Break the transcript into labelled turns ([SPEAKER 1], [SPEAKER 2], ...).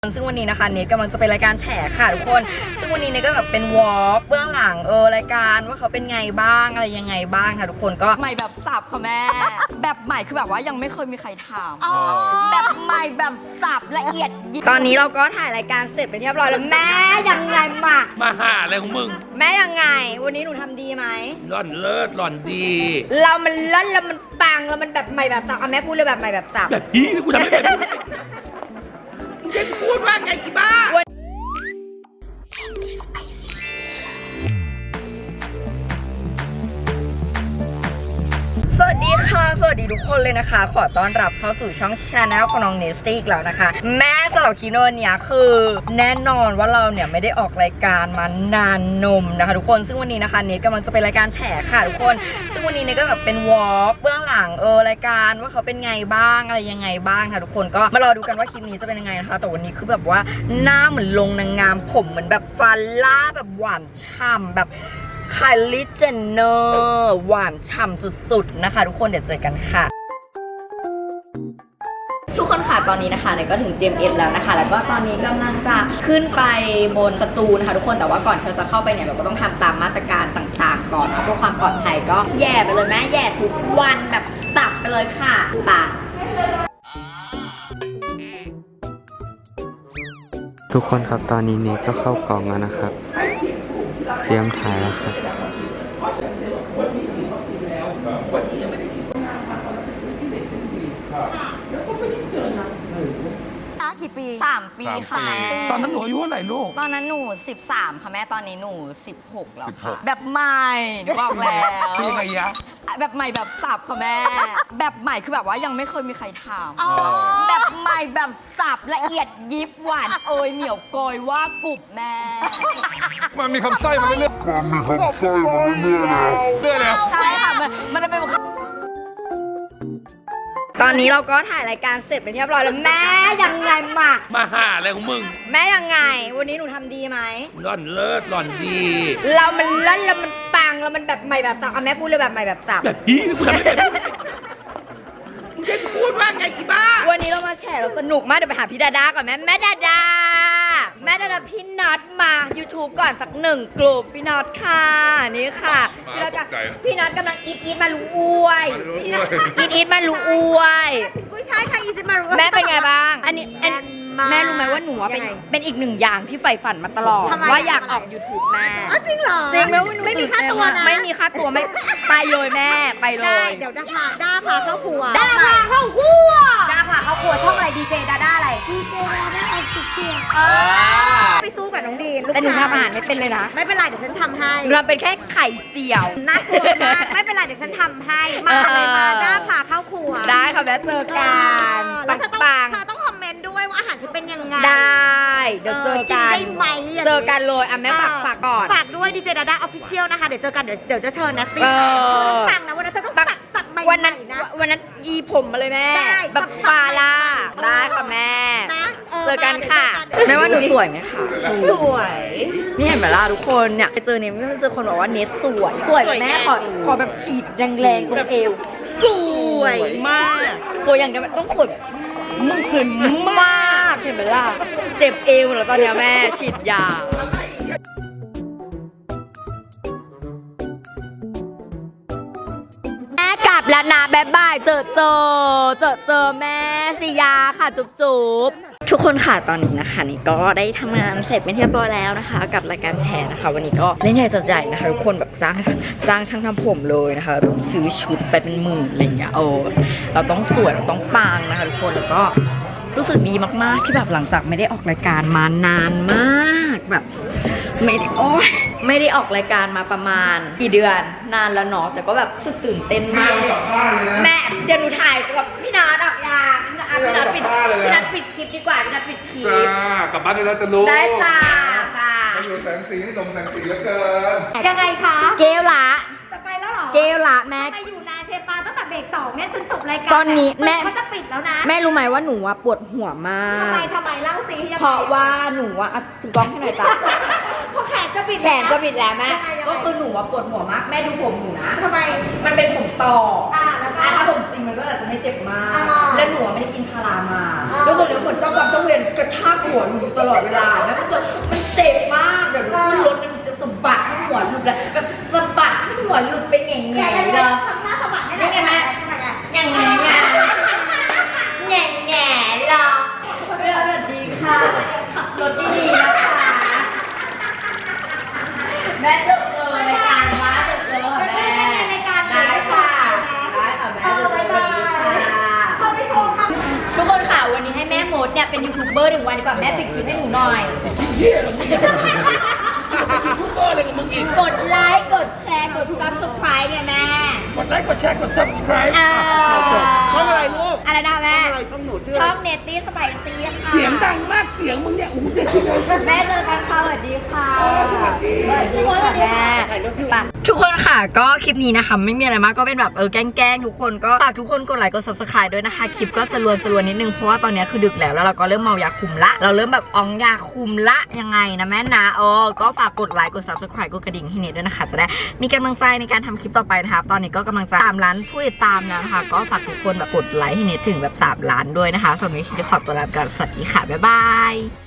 [SPEAKER 1] ซึ่งวันนี้นะคะเนทกำลังจะไปรายการแฉค่ะทุกคนซึ่งวันนี้เนทก็แบบเป็นวอล์กเบื้องหลังรายการว่าเขาเป็นไงบ้างอะไรยังไงบ้างค่ะทุกคนก็ใหม่แบบสับค่ะแม่ แบบใหม่คือแบบว่ายังไม่เคยมีใครทำแบบใหม่แบบสับละเอียดตอนนี้เราก็ถ่ายรายการเสร็จไปเรียบร้อยแล้วแม่ยังไงมา
[SPEAKER 2] หาอะไรของมึง
[SPEAKER 1] แม่ยังไงวันนี้หนูทำดีไหม
[SPEAKER 2] หล่อนเลิศหล่อนดี
[SPEAKER 1] เรามันเลิศแล้วมันปังแล้วมันแบบใหม่แบบสับแม่พูดเลยแบบใหม่แบบสับ
[SPEAKER 2] แบบพี่กูทำไม่เป็นมึงพูดว่าไงกี่บ้า
[SPEAKER 1] สวัสดีค่ะสวัสดีทุกคนเลยนะคะขอต้อนรับเข้าสู่ช่อง Channel ของน้องเนสตี้อีกแล้วนะคะแม่สำหรับคีโนเนี่ยคือแน่นอนว่าเราเนี่ยไม่ได้ออกรายการมานานนมนะคะทุกคนซึ่งวันนี้นะคะเนสกำลังจะไปรายการแฉค่ะทุกคนซึ่งวันนี้เนสก็แบบเป็นวอล์กเบื้องหลังรายการว่าเขาเป็นไงบ้างอะไรยังไงบ้างค่ะทุกคนก็มารอดูกันว่าคลิปนี้จะเป็นยังไงนะคะแต่วันนี้คือแบบว่าหน้าเหมือนลงนางงามผมเหมือนแบบฟันล่าแบบหวานฉ่ำแบบไคลี่เจนเนอร์หวานฉ่ำสุดๆนะคะทุกคนเดี๋ยวเจอกันค่ะทุกคนค่ะตอนนี้นะคะเนี่ยก็ถึง GMM แล้วนะคะแล้วก็ตอนนี้กำลังจะขึ้นไปบนประตูนะคะทุกคนแต่ว่าก่อนเราจะเข้าไปเนี่ยเราก็ต้องทำตามมาตรการต่างๆก่อนเพื่อความปลอดภัยก็แย่ไปเลยแม่แย่ทุกวันแบบสับไปเลยค่ะป่ะ
[SPEAKER 3] ทุกคนครับตอนนี้เนทก็เข้ากล่องแล้วนะครับเตรียมถ่ายแล้วครับ
[SPEAKER 1] กี่ปี3 ปีค่ะ
[SPEAKER 2] ตอนนั้นหนูอายุเท่าไหร่ลูก
[SPEAKER 1] ตอนนั้นหนู13ค่ะแม่ตอนนี้หนู16แล้วค่ะแบบใหม่หนูบอกแล้ว
[SPEAKER 2] คือยังไงยะ
[SPEAKER 1] แบบใหม่แบบสับค่ะแม่แบบใหม่คือแบบว่ายังไม่เคยมีใครทำแบบใหม่แบบสับละเอียดยิบหวานเหนียวโกยว่ากรุบแม่
[SPEAKER 2] มันมีคำสร้อยมาเรื่อยแล้ว
[SPEAKER 1] ใช่ค่ะมันจะเป็นตอนนี้เราก็ถ่ายรายการเสร็จไปเรียบร้อยแล้วแม่ยังไง
[SPEAKER 2] มาหาอะไรของมึง
[SPEAKER 1] แม่ยังไงวันนี้หนูทำดีไหม
[SPEAKER 2] หล่อนเลิศหล่อนดี
[SPEAKER 1] เรามันเลิศแล้วมันปังแล้วมันแบบใหม่แบบสับแม่พูดเลยแบบใหม่แบบสับ
[SPEAKER 2] แบบพี่กูทำไม่เป็นมึงพูดว่าไงกี่บ้า
[SPEAKER 1] วันนี้เรามาแฉเราสนุกมากเดี๋ยวไปหาพี่ดาดาก่อนแม่ดาดาพี่น็อตมา YouTube ก่อนสัก1 กลุ่มพี่น็อตค่ะนี่ค่ะพี่น็อตกำลังอีทมารู้อวยอีทมารู้อวย
[SPEAKER 4] ผู้ชายค่ะอีทมารู้
[SPEAKER 1] แม่เป็นไงบ้างอันนี้แม่รู้ไหมว่าหนูเป็นอีก1 อย่างที่ใฝ่ฝันมาตลอดว่าอยากออก YouTube แม่
[SPEAKER 4] จริงเหรอ
[SPEAKER 1] จริงแล้วไม่มีค่าตัวนะไม่มีค่าตัวไม่ไปเลยแม่ไปเลย
[SPEAKER 4] เดี๋ยวด้าพาเข้าครัว
[SPEAKER 1] ด้าพาเข้าครัวช่องอะไรดีเจดาด้าอะไร
[SPEAKER 4] ดีเจดาด้าเอาสุดเสียงไปสู้กับน้องดีน
[SPEAKER 1] แต่หนูทำอาหารไม่เป็นเลยนะ
[SPEAKER 4] ไม่เป็นไรเดี๋ยวฉันทำให้
[SPEAKER 1] เราเป็นแค่ไข่เจียว
[SPEAKER 4] น่ากลัวมากไม่เป็นไรเดี๋ยวฉันทำให้มาเลยมาด้าพาเข้าครัว
[SPEAKER 1] ได้ค่ะแล้วเจอกัน
[SPEAKER 4] ปังเธอต้องคอมเมนต์ด้วยว่าอาหารฉันเป็นยังไง
[SPEAKER 1] ได้เดี๋ยวเจอกันเจอกันเลยแม่ฝากก่อน
[SPEAKER 4] ฝากด้วยดีเจดาด้าออฟฟิเชียลนะคะเดี๋ยวเจอกันเดี๋ยวจะเชิญนะสิสั่งนะวันนั้นเธอต้องสั่งใหม่
[SPEAKER 1] วันนั้นยีผมมาเลยแม่แบบฟาล่าได้ค่ะแม่เจอกันค่ะแม่ว่าหนูสวยไหมคะ
[SPEAKER 4] สวย
[SPEAKER 1] นี่เห็นไหมล่ะทุกคนเนี่ยไปเจอเนี่ยไม่เจอคนบอกว่าเนทสวยแม่ขอแบบฉีดแรงๆตรงเอวสวยมากสวยอย่างเดียวต้องสวยมึงสวยมากเห็นไหมล่ะเจ็บเอวแล้วตอนนี้แม่ฉีดยาแม่กลับแล้วนะบ๊ายบายเจอแม่สิยาค่ะจุ๊บทุกคนค่ะตอนนี้นะคะนี่ก็ได้ทำงานเสร็จเป็นที่เรียบร้อยแล้วนะคะกับรายการแชร์นะคะวันนี้ก็เล่นใหญ่จัดใหญ่นะคะทุกคนแบบจ้างช่างทำผมเลยนะคะแบบซื้อชุดไปเป็นหมื่นอะไรอย่างเงี้ยเราต้องสวยเราต้องปังนะคะทุกคนแล้วก็รู้สึกดีมากๆที่แบบหลังจากไม่ได้ออกรายการมานานมากแบบไม่ได้ออกรายการมาประมาณกี่เดือนนานแล้วเนาะแต่ก็แบบรู้สึกตื่นเต้นมากเลยแม่เดี๋ยวหนูถ่ายกับพี่นัทออกยาพี่นัทปิดคลิปดีกว่าพี่นัทปิดคลิป
[SPEAKER 2] กลับบ้านได้แล้วจะรู้
[SPEAKER 1] ได้ค่ะ
[SPEAKER 2] อยู่แสงสีนี่ลงแสงสีเหลือเกิน
[SPEAKER 4] ยังไงคะ
[SPEAKER 1] เกลละ
[SPEAKER 4] จะไปแล้วหรอ
[SPEAKER 1] เกลละแม่
[SPEAKER 4] ไปอยู่นาเชปาตั้งแต่เบรก2เนี่ยจนจบรายการ
[SPEAKER 1] ตอนนี้แม่
[SPEAKER 4] เขาจะปิดแล้วนะ
[SPEAKER 1] แม่รู้ไหมว่าหนูปวดหัวมาก
[SPEAKER 4] ทำไมเล่าสิ
[SPEAKER 1] เพราะว่าหนูถือกล้องให้หน่อยจ้ะ
[SPEAKER 4] พอแขนจะบิด
[SPEAKER 1] แขนจะบิดแล้วแม่
[SPEAKER 4] ยังไง
[SPEAKER 1] ก็คือหนูว่าปวดหัวมากแม่ดูผมหนูนะ
[SPEAKER 4] ทำไม
[SPEAKER 1] มันเป็นผมต่อ
[SPEAKER 4] แล้วก็
[SPEAKER 1] ถ้าผมจริงมันก็อาจจะไม่เจ็บมาก
[SPEAKER 4] อ่า
[SPEAKER 1] และหนูไม่ได้กินพารามา
[SPEAKER 4] อ่า
[SPEAKER 1] แล้วตัวเนี้ยเหมือนเจ้ากรรมเจ้าเวรกระชากหัวหนูตลอดเวลาแล้วมันเจ็บมากเดี๋ยวหนูขึ้นรถมันจะสะบัดให้หัวหลุดเลยแบบสะบัดให้หัวหลุดไปแง่ๆเลย
[SPEAKER 4] ทำหน้าสะบัดให้
[SPEAKER 1] นี่ไงแม่ อย่างไงแง่แง่ๆหรอสวัสดีค่ะขับรถดีๆนะคะแม่จะเจอรายการว่าจะเจอแม่
[SPEAKER 4] รายการ
[SPEAKER 1] ได้ค่ะได้ค่ะแม่จะเจอกันค่ะ
[SPEAKER 4] เขาไปโชว์ทำ
[SPEAKER 1] ทุกคนค่ะวันนี้ให้แม่มดเนี่ยเป็นยูทูบเบอร์1 วันดีกว่าแม่ปิดคลิปให้หนูหน่อย
[SPEAKER 2] เหี้ยเหรอมึงพูดก็อะไรกับมึงอีก
[SPEAKER 1] กดไลค์กดแชร์กด subscribe เนี่ยแม่
[SPEAKER 2] กดไลค์กดแชร์กด subscribe
[SPEAKER 5] ช่องอะไรลูก
[SPEAKER 1] อะไรนะแม่
[SPEAKER 5] อะไรช่องหนูชื่อ
[SPEAKER 1] ช่องเนตตี้สไปซี่ค่ะ
[SPEAKER 2] เสียงดังมากเสียงมึงเนี่ยโอ้โหเด็กเลย
[SPEAKER 1] แม่เจอกันค่ะสวัสดีค่ะ
[SPEAKER 2] สวัสดี
[SPEAKER 1] สวัสดีค่ะแม่ไปทุกคนค่ะก็คลิปนี้นะคะไม่มีอะไรมากก็เป็นแบบแกล้งทุกคนก็ฝากทุกคนกดไลค์กด subscribe ด้วยนะคะคลิปก็สลวนนิดนึงเพราะว่าตอนนี้คือดึกแล้วเราก็เริ่มเมายาคุมละเราเริ่มแบบอองยาคุมละยังไงนะแม่นะก็ฝากกดไลค์กด subscribe กดกระดิ่งให้เนตด้วยนะคะจะได้มีกำลังใจในการทำคลิปต่อไปนะคะตอนนี้ก็กำลังจะ3 ล้านผู้ติดตามแล้วนะคะก็ฝากทุกคนแบบกดไลค์ให้เนตถึงแบบ3 ล้านด้วยนะคะส่วนวันนี้จะขอตัวลาไปก่อนสวัสดีค่ะบ๊ายบาย